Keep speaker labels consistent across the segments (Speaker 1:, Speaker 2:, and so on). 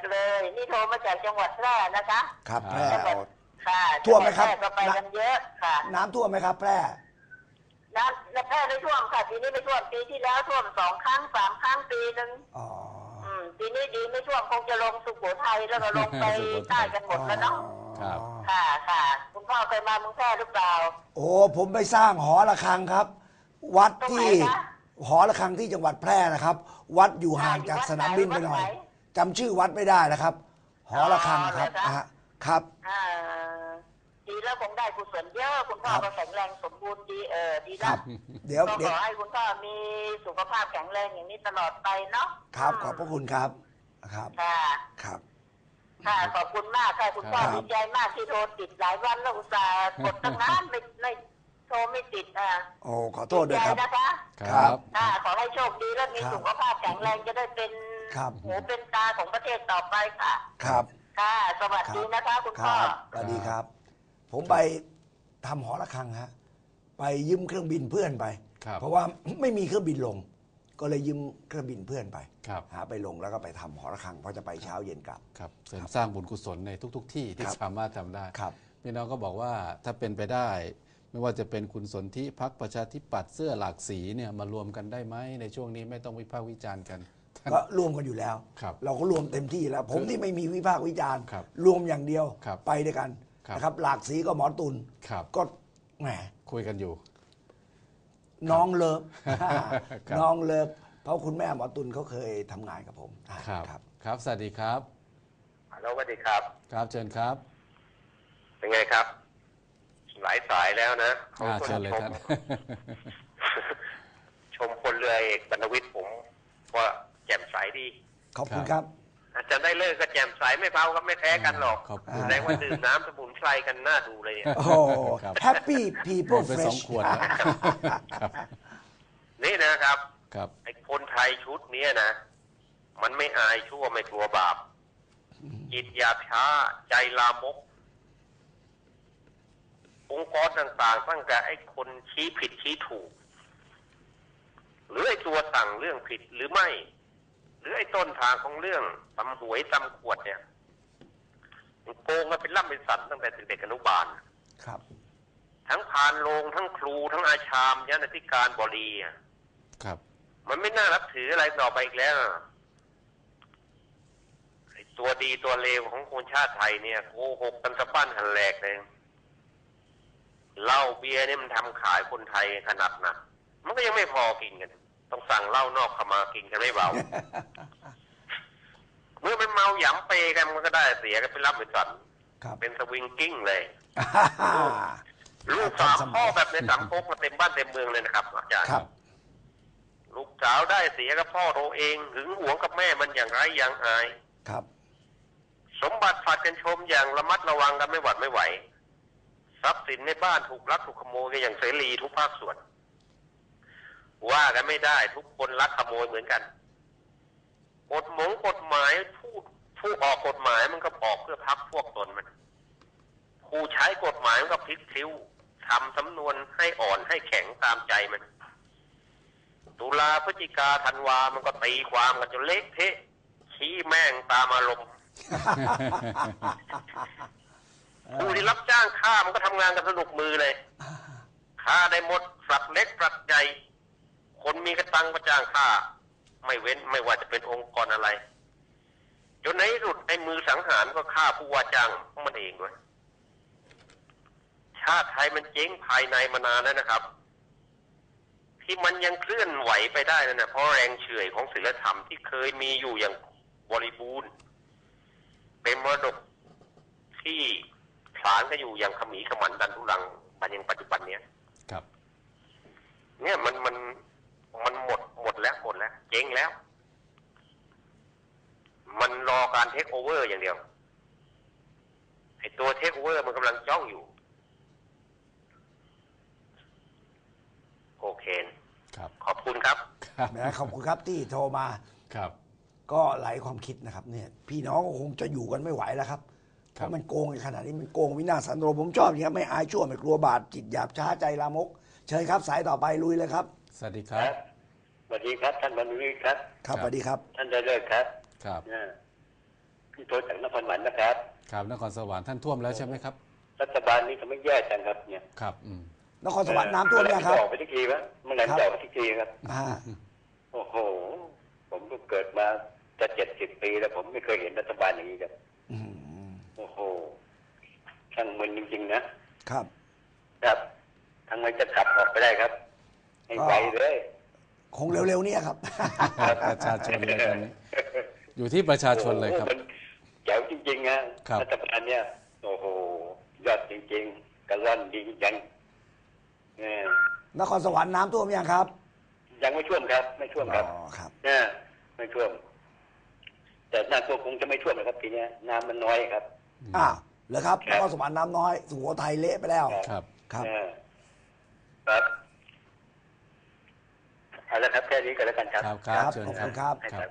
Speaker 1: เลยนี่โทรมาจากจังหวัดแพร่นะคะ
Speaker 2: ครับแพร่
Speaker 1: ค่ะ
Speaker 2: ท่วมไหมครับ
Speaker 1: ก็ไปกันเยอะค่ะ
Speaker 2: น้ำท่วมไหมครับแพร่
Speaker 1: น้ำแพร่ไม่ท่วมค่ะปีนี้ไม่ท่วมปีที่แล้วท่วม2 ครั้ง 3 ครั้งปีนึงปีนี้ดีไม่ท่วมคงจะลงสุโขทัยแล้วก็ลงไปใต้กันหมดแล้วเนาะ
Speaker 3: ครับ
Speaker 1: ค่ะคุณพ่อเคยมาเมืองแพร่หรือเปล่า
Speaker 2: โอ้ผมไปสร้างหอระฆังครับ วัดที่หอระฆังที่จังหวัดแพร่นะครับ วัดอยู่ห่างจากสนามบินไปหน่อยจำชื่อวัดไม่ได้นะครับ หอระฆังครับครับ
Speaker 1: ดีแล้วคงได้กุศลเยอะคุณพ่อก็แข็งแรงสมบูรณ์ดีดีนะ
Speaker 2: เดี๋ยว
Speaker 1: ขอให้คุณพ่อมีสุขภาพแข็งแรงอย่างนี้ตลอดไปเนาะ
Speaker 2: ครับขอบพระคุณครับครับ
Speaker 1: ครับค่ะขอบคุณมากค่ะคุณพ่อดีใจมากที่โทรติดหลายวันแล้วอุตส่าห์กดตั้งนานไม่โทรไม่ติด
Speaker 2: โอ้ขอโทษด้วยครับ
Speaker 1: นะคะ
Speaker 2: ครับ
Speaker 1: ขอให้โชคดีและมีสุขภาพแข็งแรงจะได้เป็นหูเป็นตาของประเทศต่อไปค่ะ
Speaker 2: ครับ
Speaker 1: ค่ะสวัสดีนะคะคุณพ่อ
Speaker 2: สวัสดีครับผมไปทำหอระฆังฮะไปยืมเครื่องบินเพื่อนไปเพราะว่าไม่มีเครื่องบินลงก็เลยยืมเครื่องบินเพื่อนไปหาไปลงแล้วก็ไปทำหอระฆังเพราะจะไปเช้าเย็นกลับ
Speaker 3: ครับเสริมสร้างบุญกุศลในทุกที่ที่สามารถทำได้พี่น้องก็บอกว่าถ้าเป็นไปได้ไม่ว่าจะเป็นคุณสนธิพรรคประชาธิปัตย์เสื้อหลากสีเนี่ยมารวมกันได้ไหมในช่วงนี้ไม่ต้องวิพากษ์วิจารณ์กัน
Speaker 2: ก็รวมกันอยู่แล้วเราก็รวมเต็มที่แล้วผมที่ไม่มีวิพากษ์วิจารณ์รวมอย่างเดียวไปด้วยกันนะครับหลากสีก็หมอตุลก็แหม
Speaker 3: คุยกันอยู่
Speaker 2: น้องเลิฟน้องเลิฟเพราะคุณแม่หมอตุลเขาเคยทำงานกับผม
Speaker 3: ครับสวัสดีครับ
Speaker 4: ฮัลโหลสวัสดีครับ
Speaker 3: ครับเชิญครับ
Speaker 4: เป็นไงครับหลายสายแล้วนะ
Speaker 3: เชิญเลยครับ
Speaker 4: ชมพลเรือเอกบรรณวิทย์ผมว่าแจ่มใสดี
Speaker 2: ขอบคุณครับ
Speaker 4: อาจารย์ได้เลิกก็แจ่มใสไม่เบาก็ไม่แพ้กันหรอกแสดงว่าดื่มน้ำสมุนไพรกันน่าดูเลย
Speaker 2: โอ้แฮปปี้พีเพิลเฟรช
Speaker 4: นี่นะครับไอ้คนไทยชุดนี้นะมันไม่อายชั่วไม่กลัวบาปจิตหยาบช้าใจลามกองค์กรต่างๆตั้งแต่ไอ้คนชี้ผิดชี้ถูกหรือไอ้ตัวสั่งเรื่องผิดหรือไม่หรือไอ้ต้นทางของเรื่องตำหวยตำขวดเนี่ยโกงกันเป็นล่ำเป็นสันตั้งแต่เด็กอนุบาล
Speaker 2: ครับ
Speaker 4: ทั้งพานโรงทั้งครูทั้งอาชามยันอธิการบดี
Speaker 3: ครับ
Speaker 4: มันไม่น่ารับถืออะไรต่อไปอีกแล้วไอ้ตัวดีตัวเลวของคนชาติไทยเนี่ยโกหกกันสะบั้นหันแหลกเลยเหล้าเบียร์นี่มันทำขายคนไทยขนาดหนักมันก็ยังไม่พอกินกันต้องสั่งเหล้านอกเข้ามากินกันไม่เบา เมื่อมันเมาหยำเปกันมันก็ได้เสียกันเป็นรับเป็นสันเป็นสวิงกิ้งเลยลูกสาวพ่อแบบในสังคมมาเต็มบ้านเต็มเมืองเลยนะครับอาจารย์ลูกสาวได้เสียกับพ่อตัวเองหึงหวงกับแม่มันอย่างไรอย่างอายสมบัติฝากกันชมอย่างระมัดระวังกันไม่หวัดไม่ไหวทรัพย์สินในบ้านถูกลักถูกขโมยกันอย่างเสรีทุกภาคส่วนว่ากันไม่ได้ทุกคนลักขโมยเหมือนกันกฎหมายผู้ออกกฎหมายมันก็ออกเพื่อพักพวกตนมันผู้ใช้กฎหมายมันก็พลิกคิ้วทำสำนวนให้อ่อนให้แข็งตามใจมันตุลาพฤศจิกาธันวามันก็ตีความกันจนเละเทะชี้แม่งตามอารมณ์ผู้ที่รับจ้างฆ่ามันก็ทำงานกันสนุกมือเลยฆ่าได้หมดสัตว์เล็กสัตว์ใหญ่คนมีกระตังก็จ้างฆ่าไม่เว้นไม่ว่าจะเป็นองค์กรอะไรจนในที่สุดไอ้มือสังหารก็ฆ่าผู้ว่าจ้างของมันเองด้วยชาติไทยมันเจ๊งภายในมานานแล้วนะครับที่มันยังเคลื่อนไหวไปได้นั่นนะเพราะแรงเฉื่อยของศีลธรรมที่เคยมีอยู่อย่างบริบูรณ์เป็นมรดกที่ผลาญกันอยู่อย่างขมีขมันดันทุรังมายังปัจจุบันเนี้ย
Speaker 3: ครับ
Speaker 4: เนี่ยมันหมดแล้วเจ๊งแล้วมันรอการเทคโอเวอร์อย่างเดียวไอ้ตัวเทคโอเวอร์มันกำลังจ้องอยู่โอเค
Speaker 3: ครับ
Speaker 4: ขอบคุณครับ
Speaker 2: ขอบคุณครับที่โทรมา
Speaker 3: ครับ
Speaker 2: ก็หลายความคิดนะครับเนี่ยพี่น้องคงจะอยู่กันไม่ไหวแล้วครับเพราะมันโกงในขนาดนี้มันโกงวินาศสันโดษผมชอบอย่างนี้ไม่อายชั่วไม่กลัวบาปจิตหยาบช้าใจลามกเชิญครับสายต่อไปลุยเลยครับ
Speaker 3: สวัสดีครับ
Speaker 4: สวัสดีครับท่านบรรณวิทย์ครับ
Speaker 2: ครับสวัสดีครับ
Speaker 4: ท่านได้เลิกครับ
Speaker 5: พี่โทรจากนครสวรรค์นะครับ
Speaker 3: ครับนครสวรรค์ท่านท่วมแล้วใช่ไหมครับ
Speaker 5: รัฐบาลนี้ทำให้แย่จังครับเนี่ย
Speaker 3: ครับ
Speaker 2: นครสวรรค์น้ำท่วมยังครับ
Speaker 5: ออกไปทุกทีวะเมื่อไหร่จะออกไปทุกทีครับโอ้โหผมก็เกิดมาจะ70 ปีแล้วผมไม่เคยเห็นรัฐบาลอย่างนี้ครับโอ้โหช่างมันจริงๆนะครับครับทางมันจะขับออกไปได้ครับให้ไวเลย
Speaker 2: คงเร็วๆนี่ครับ
Speaker 3: ประชาชนเลยตอนนี้อยู่ที่ประชาชนเลยครับ
Speaker 5: แจ๋วจริงๆนะรัฐบาลเนี่ยโอ้โหยอดจริงๆกระล่อนดีจัง
Speaker 2: นครสวรรค์น้ำท่วมยังครับ
Speaker 5: ยังไม่ท่วมครับไม่ท่วมครับ
Speaker 2: ครับ
Speaker 5: ไม่ท่วมแต่น้ำท่วมคงจะไม่ท่วมนะครับทีนี้น้ำมันน้อยครับ
Speaker 2: เหรอครับนครสวรรค์น้ำน้อยสุโขทัยเละไปแล้ว
Speaker 3: ครับ
Speaker 5: ครับเอาละครับแค่นี้ก็แล้วกันครับ
Speaker 3: ครับ
Speaker 2: ขอบคุณครับ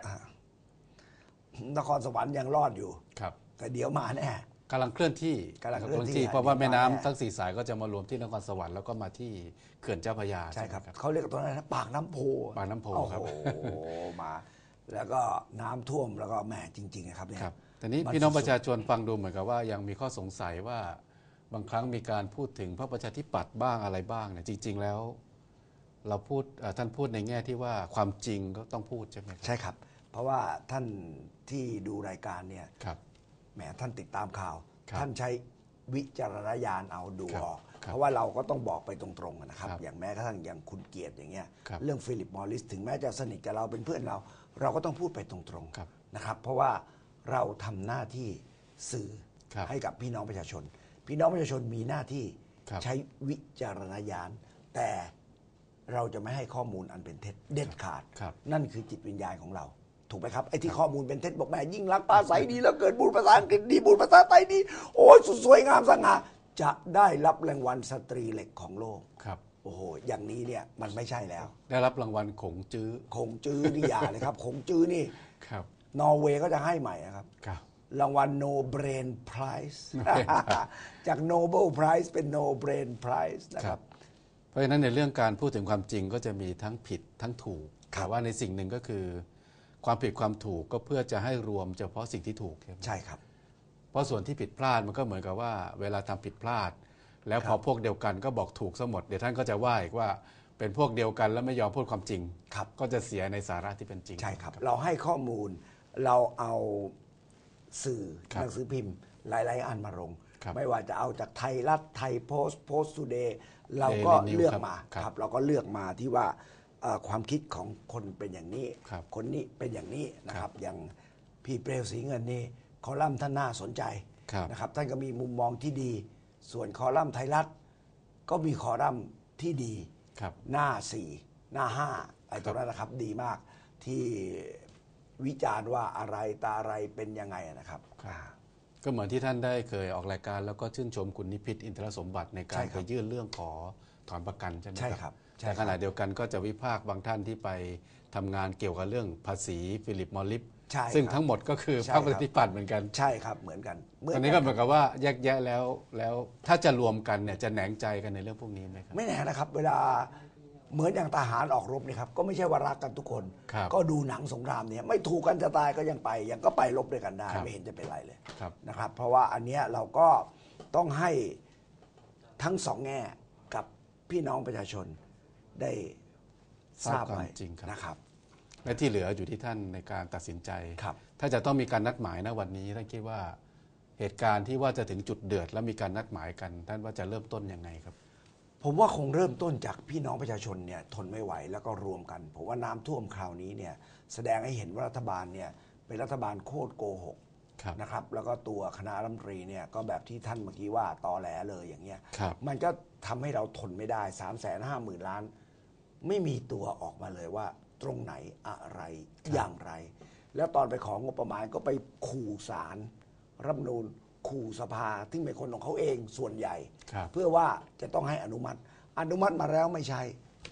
Speaker 2: นครสวรรค์ยังรอดอยู่
Speaker 3: ครับ
Speaker 2: แต่เดี๋ยวมาแน่
Speaker 3: กำลังเคลื่อนที่เพราะว่าแม่น้ำทั้ง4 สายก็จะมารวมที่นครสวรรค์แล้วก็มาที่เขื่อนเจ้าพระยา
Speaker 2: ใช่ครับเขาเรียกตรงนั้นปากน้ำโพ
Speaker 3: ครับ
Speaker 2: โอ้โหมาแล้วก็น้ำท่วมแล้วก็แหมจริงๆนะครับเนี่ย
Speaker 3: แต่นี้พี่น้องประชาชนฟังดูเหมือนกับว่ายังมีข้อสงสัยว่าบางครั้งมีการพูดถึงพรรคประชาธิปัตย์บ้างอะไรบ้างเนี่ยจริงๆแล้วเราพูดท่านพูดในแง่ที่ว่าความจริงก็ต้องพูดใช่ไหม
Speaker 2: ใช่ครับเพราะว่าท่านที่ดูรายการเนี่ยแหมท่านติดตามข่าวท่านใช้วิจารณญาณเอาดูออกเพราะว่าเราก็ต้องบอกไปตรงๆนะครับอย่างแม้กระทั่งอย่างคุณเกียรติอย่างเงี้ยเรื่องฟิลิปมอริสถึงแม้จะสนิทกับเราเป็นเพื่อนเราก็ต้องพูดไปตรงๆนะครับเพราะว่าเราทำหน้าที่สื่อให้กับพี่น้องประชาชนพี่น้องประชาชนมีหน้าที่ใช้วิจารณญาณแต่เราจะไม่ให้ข้อมูลอันเป็นเท็จเด็ดขาดนั่นคือจิตวิญญาณของเราถูกไหมครับไอ้ที่ข้อมูลเป็นเท็จบอกแม่ยิ่งรักปลาใสดีแล้วเกิดบูรภาษาอังกฤษดีบูรภาษาไทยดีโอ้ยสุดสวยงามสง่าจะได้รับรางวัลสตรีเหล็กของโลก
Speaker 3: ครับ
Speaker 2: โอ้โหอย่างนี้เนี่ยมันไม่ใช่แล้ว
Speaker 3: ได้รับรางวัลขงจื้
Speaker 2: อนี่อย่าเลยครับขงจื้อนี่นอร์เวย์ก็จะให้ใหม่นะครับรางวัล No Brain Prize จาก Nobel Prize เป็น No Brain Prize นะครับ
Speaker 3: เพราะฉะนั้นในเรื่องการพูดถึงความจริงก็จะมีทั้งผิดทั้งถูกแต่ว่าในสิ่งหนึ่งก็คือความผิดความถูกก็เพื่อจะให้รวมเฉพาะสิ่งที่ถูก
Speaker 2: ใช่ครับ
Speaker 3: เพราะส่วนที่ผิดพลาดมันก็เหมือนกับว่าเวลาทำผิดพลาดแล้วพอพวกเดียวกันก็บอกถูกซะหมดเดี๋ยวท่านก็จะว่าอีกว่าเป็นพวกเดียวกันแล้วไม่ยอมพูดความจริงก็จะเสียในสาระที่เป็นจริง
Speaker 2: ใช่ครับเราให้ข้อมูลเราเอาสื่อหนังสือพิมพ์หลายๆอันมาลงไม่ว่าจะเอาจากไทยรัฐไทยโพสต์ทูเดย์เราก็เลือกมาครับเราก็เลือกมาที่ว่าความคิดของคนเป็นอย่างนี้คนนี้เป็นอย่างนี้นะครับอย่างพี่เปรวศรีเงินนี่คอลัมน์ท่านน่าสนใจนะครับท่านก็มีมุมมองที่ดีส่วนคอลัมน์ไทยรัฐก็มีคอลัมน์ที่ดีหน้า4หน้า5ไอ้ตรงนั้นนะครับดีมากที่วิจารณ์ว่าอะไรตาอะไรเป็นยังไงนะครับ
Speaker 3: ก็เหมือนที่ท่านได้เคยออกรายการแล้วก็ชื่นชมคุณนิพิษอินทรสมบัติในการไปยื่นเรื่องขอถอนประกันใช่ไหมครับแต่ขณะเดียวกันก็จะวิพากษ์บางท่านที่ไปทำงานเกี่ยวกับเรื่องภาษีฟิลิปมอริสซึ่งทั้งหมดก็คือพรรคประชาธิปัตย์เหมือนกัน
Speaker 2: ใช่ครับเหมือนกัน
Speaker 3: ตอนนี้ก็เหมือนกับว่าแยกแยะแล้วถ้าจะรวมกันเนี่ยจะแหนงใจกันในเรื่องพวกนี้ไหมครับ
Speaker 2: ไม่แน่นะครับเวลาเหมือนอย่างทหารออกรบนี่ครับก็ไม่ใช่ว่ารักกันทุกคนก็ดูหนังสงครามเนี่ยไม่ถูกกันจะตายก็ยังไปยังก็ไปรบด้วยกันได้ไม่เห็นจะเป็นไรเลยนะครับเพราะว่าอันเนี้ยเราก็ต้องให้ทั้งสองแง่กับพี่น้องประชาชนได้ทราบไว้
Speaker 3: จริง
Speaker 2: นะครับ
Speaker 3: และที่เหลืออยู่ที่ท่านในการตัดสินใจถ้าจะต้องมีการนัดหมายนะวันนี้ท่านคิดว่าเหตุการณ์ที่ว่าจะถึงจุดเดือดแล้วมีการนัดหมายกันท่านว่าจะเริ่มต้นยังไงครับ
Speaker 2: ผมว่าคงเริ่มต้นจากพี่น้องประชาชนเนี่ยทนไม่ไหวแล้วก็รวมกันผมว่าน้ำท่วมคราวนี้เนี่ยแสดงให้เห็นว่ารัฐบาลเนี่ยเป็นรัฐบาลโคตรโกหกนะครับแล้วก็ตัวคณะรัฐมนตรีเนี่ยก็แบบที่ท่านเมื่อกี้ว่าตอแหลเลยอย่างเงี้ยมันก็ทำให้เราทนไม่ได้ 350,000 ล้านไม่มีตัวออกมาเลยว่าตรงไหนอะไรอย่างไรแล้วตอนไปของงบประมาณก็ไปขู่ศาลรัฐธรรมนูญขู่สภาที่เป็นคนของเขาเองส่วนใหญ่เพื่อว่าจะต้องให้อนุมัติมาแล้วไม่ใช้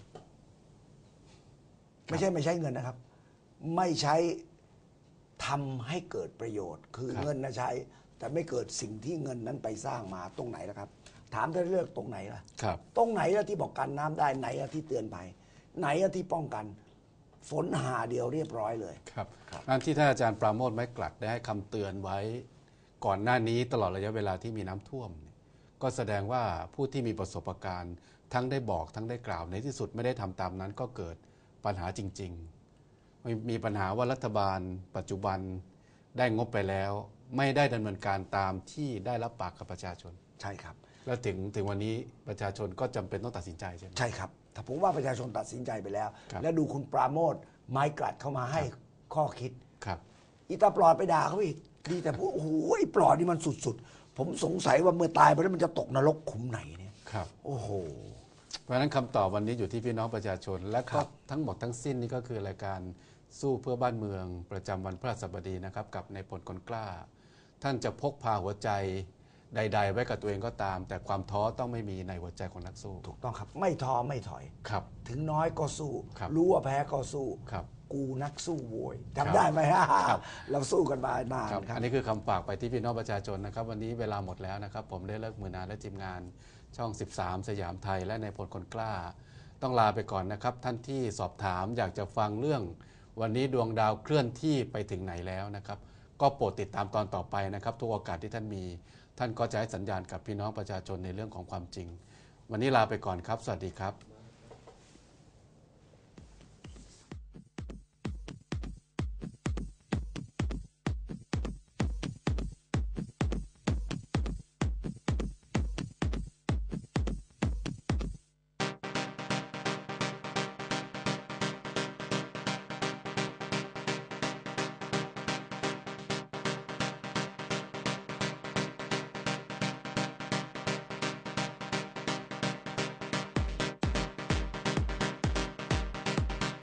Speaker 2: เงินนะครับไม่ใช้ทำให้เกิดประโยชน์คือเงินนะใช้แต่ไม่เกิดสิ่งที่เงินนั้นไปสร้างมาตรงไหนล่ะครับถามได้เลือกตรงไหนล่ะตรงไหนล่ะที่บอกกันน้ำได้ไหนล่ะที่เตือนภัยไหนล่ะที่ป้องกันฝนหาเดียวเรียบร้อยเลย
Speaker 3: ครับนั่นที่ท่านอาจารย์ปราโมทย์ไม้กลัดได้ให้คำเตือนไว้ก่อนหน้านี้ตลอดระยะเวลาที่มีน้ำท่วมก็แสดงว่าผู้ที่มีประสบการณ์ทั้งได้บอกทั้งได้กล่าวในที่สุดไม่ได้ทำตามนั้นก็เกิดปัญหาจริงๆมีปัญหาว่ารัฐบาลปัจจุบันได้งบไปแล้วไม่ได้ดำเนินการตามที่ได้รับปากกับประชาชน
Speaker 2: ใช่ครับ
Speaker 3: แล้วถึงวันนี้ประชาชนก็จำเป็นต้องตัดสินใจใช่ไหม
Speaker 2: ใช่ครับถ้าผมว่าประชาชนตัดสินใจไปแล้วและดูคุณปราโมทย์ไม้กลัดเข้ามาให้ข้อคิด
Speaker 3: ครับ
Speaker 2: อีตาปลอดไปด่าเขาอีกดีแต่พูดโอ้โหปลอดนี่มันสุดๆผมสงสัยว่าเมื่อตายไปแล้วมันจะตกนรกขุมไหนเนี่ย
Speaker 3: ครับ
Speaker 2: โอ้โห
Speaker 3: เพราะฉะนั้นคำตอบวันนี้อยู่ที่พี่น้องประชาชนและก็ทั้งหมดทั้งสิ้นนี่ก็คือรายการสู้เพื่อบ้านเมืองประจำวันพฤหัสบดีนะครับกับนายพลคนกล้าท่านจะพกพาหัวใจใดๆไว้กับตัวเองก็ตามแต่ความท้อต้องไม่มีในหัวใจของนักสู้
Speaker 2: ถูกต้องครับไม่ท้อไม่ถอย
Speaker 3: ครับ
Speaker 2: ถึงน้อยก็สู้รู้ว่าแพ้ก็สู้
Speaker 3: ครับ
Speaker 2: กูนักสู้โวยจำได้ไหมฮะเราสู้กันมานาน
Speaker 3: ครับอันนี้คือคำฝากไปที่พี่น้องประชาชนนะครับวันนี้เวลาหมดแล้วนะครับผมได้เลิกมือนานและทีมงานช่อง13สยามไทยและนายพลคนกล้าต้องลาไปก่อนนะครับท่านที่สอบถามอยากจะฟังเรื่องวันนี้ดวงดาวเคลื่อนที่ไปถึงไหนแล้วนะครับก็โปรดติดตามตอนต่อไปนะครับทุกโอกาสที่ท่านมีท่านก็จะให้สัญญาณกับพี่น้องประชาชนในเรื่องของความจริงวันนี้ลาไปก่อนครับสวัสดีครับ